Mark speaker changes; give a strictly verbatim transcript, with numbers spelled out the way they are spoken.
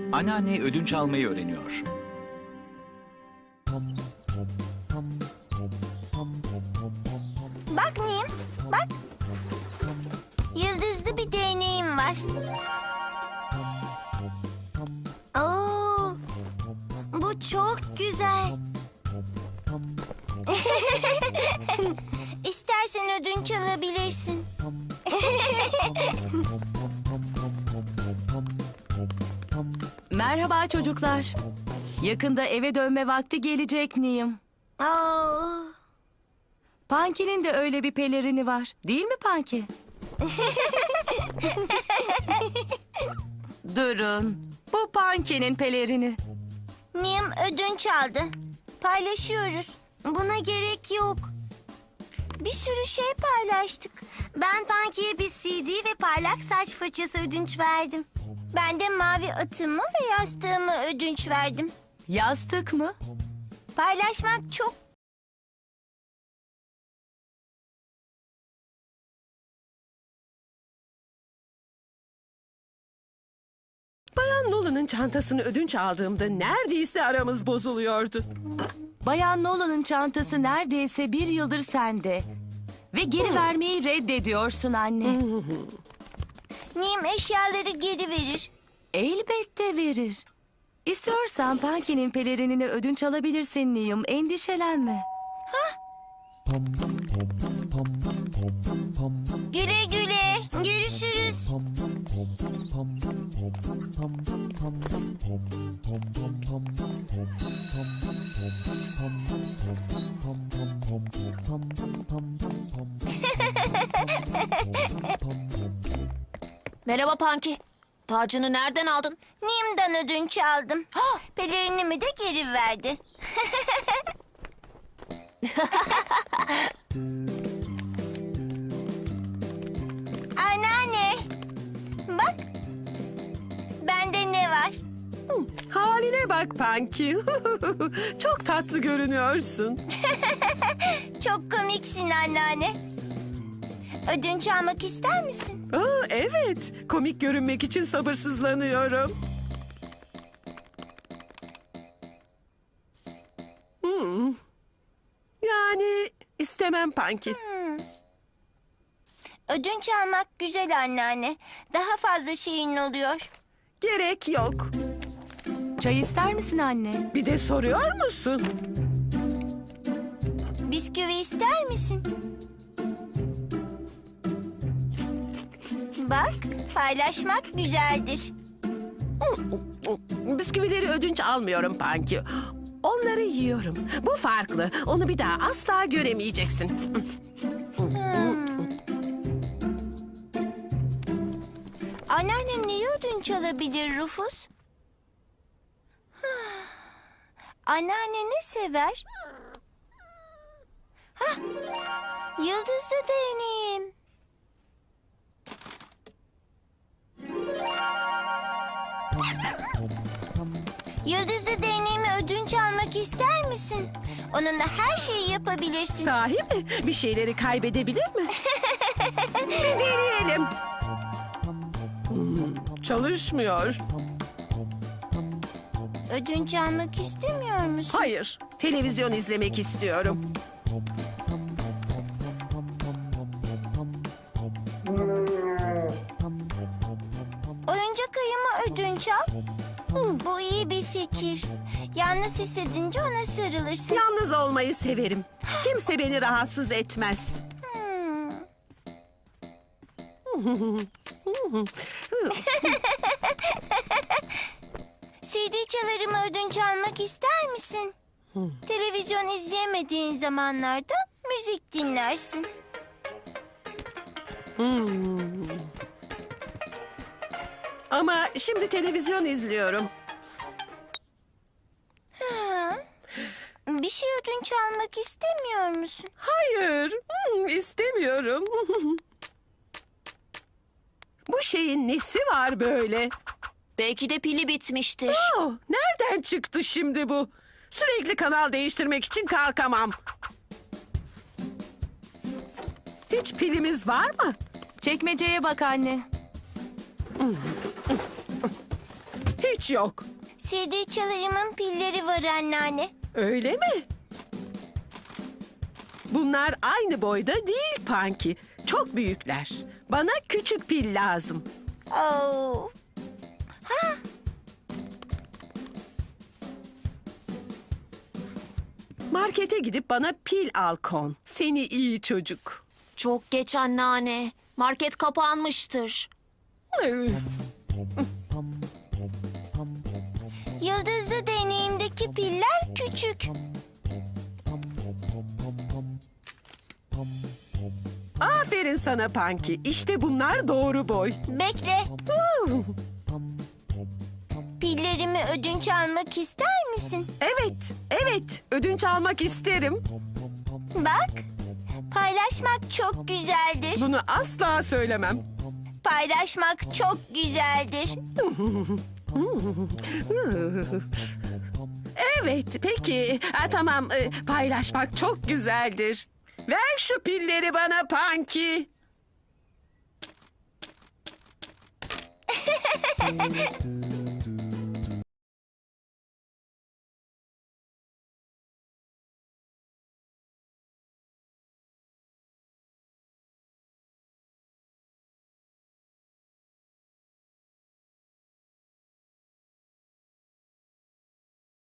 Speaker 1: Anneanne ödünç almayı öğreniyor.
Speaker 2: Bak Nim, bak. Yıldızlı bir değneğim var. Oo, bu çok güzel. İstersen ödünç alabilirsin.
Speaker 3: Merhaba çocuklar. Yakında eve dönme vakti gelecek Niyim.
Speaker 2: Oo.
Speaker 3: Punky'nin de öyle bir pelerini var. Değil mi Punky? Durun. Bu Punky'nin pelerini.
Speaker 2: Nim ödünç aldı. Paylaşıyoruz. Buna gerek yok. Bir sürü şey paylaştık. Ben Punky'ye bir C D ve parlak saç fırçası ödünç verdim. Ben de mavi atımı ve yastığımı ödünç verdim.
Speaker 3: Yastık mı?
Speaker 2: Paylaşmak çok...
Speaker 4: Bayan Nolan'ın çantasını ödünç aldığımda neredeyse aramız bozuluyordu.
Speaker 3: Bayan Nolan'ın çantası neredeyse bir yıldır sende. Ve geri vermeyi reddediyorsun anne.
Speaker 2: Nim eşyaları geri verir.
Speaker 3: Elbette verir. İstiyorsan Punky'nin pelerinini ödünç alabilirsin Niyim. Endişelenme.
Speaker 2: Güle güle. Görüşürüz.
Speaker 5: Merhaba Punky. Tacını nereden aldın?
Speaker 2: Nim'den ödünç aldım. Pelerinimi de geri verdi. Anneanne. Bak. Bende ne var?
Speaker 4: Haline bak Punky. Çok tatlı görünüyorsun.
Speaker 2: Çok komiksin anneanne. Ödünç almak ister misin?
Speaker 4: Aa, evet, komik görünmek için sabırsızlanıyorum. Hmm. Yani istemem Punky.
Speaker 2: Ödünç almak güzel anneanne. Daha fazla şeyin oluyor.
Speaker 4: Gerek yok.
Speaker 3: Çay ister misin anne?
Speaker 4: Bir de soruyor musun?
Speaker 2: Bisküvi ister misin? Bak, paylaşmak güzeldir.
Speaker 4: Bisküvileri ödünç almıyorum Punky. Onları yiyorum. Bu farklı. Onu bir daha asla göremeyeceksin.
Speaker 2: Anneannem neyi ödünç alabilir Rufus? Anneanne ne sever? Hah, yıldızlı değneğim. Yıldızlı değneğimi ödünç almak ister misin? Onunla her şeyi yapabilirsin.
Speaker 4: Sahi mi? Bir şeyleri kaybedebilir mi? Bir deneyelim. Hmm, çalışmıyor.
Speaker 2: Ödünç almak istemiyor musun?
Speaker 4: Hayır, televizyon izlemek istiyorum.
Speaker 2: Oyuncak ayımı ödünç al. Bu iyi bir fikir. Yalnız hissedince ona sarılırsın.
Speaker 4: Yalnız olmayı severim. Kimse beni rahatsız etmez.
Speaker 2: Hmm. C D çalarımı ödünç almak ister misin? Televizyon izleyemediğin zamanlarda müzik dinlersin.
Speaker 4: Hmm. Ama şimdi televizyon izliyorum.
Speaker 2: Ha. Bir şey ödünç almak istemiyor musun?
Speaker 4: Hayır, hmm, istemiyorum. Bu şeyin nesi var böyle?
Speaker 5: Belki de pili bitmiştir.
Speaker 4: Oh, nereden çıktı şimdi bu? Sürekli kanal değiştirmek için kalkamam. Hiç pilimiz var mı?
Speaker 3: Çekmeceye bak anne.
Speaker 4: Hiç hiç yok.
Speaker 2: C D çalarımın pilleri var anneanne.
Speaker 4: Öyle mi? Bunlar aynı boyda değil Panki. Çok büyükler. Bana küçük pil lazım.
Speaker 2: Oo.
Speaker 4: Markete gidip bana pil al Kon. Seni iyi çocuk.
Speaker 5: Çok geç anneanne. Market kapanmıştır.
Speaker 4: Üf.
Speaker 2: Yıldızlı deneyimdeki piller küçük.
Speaker 4: Aferin sana Panki. İşte bunlar doğru boy.
Speaker 2: Bekle.
Speaker 4: Huu.
Speaker 2: Pillerimi ödünç almak ister misin?
Speaker 4: Evet, evet. Ödünç almak isterim.
Speaker 2: Bak. Paylaşmak çok güzeldir.
Speaker 4: Bunu asla söylemem.
Speaker 2: Paylaşmak çok güzeldir.
Speaker 4: Evet, peki. Ha, tamam, e, paylaşmak çok güzeldir. Ver şu pilleri bana Panki.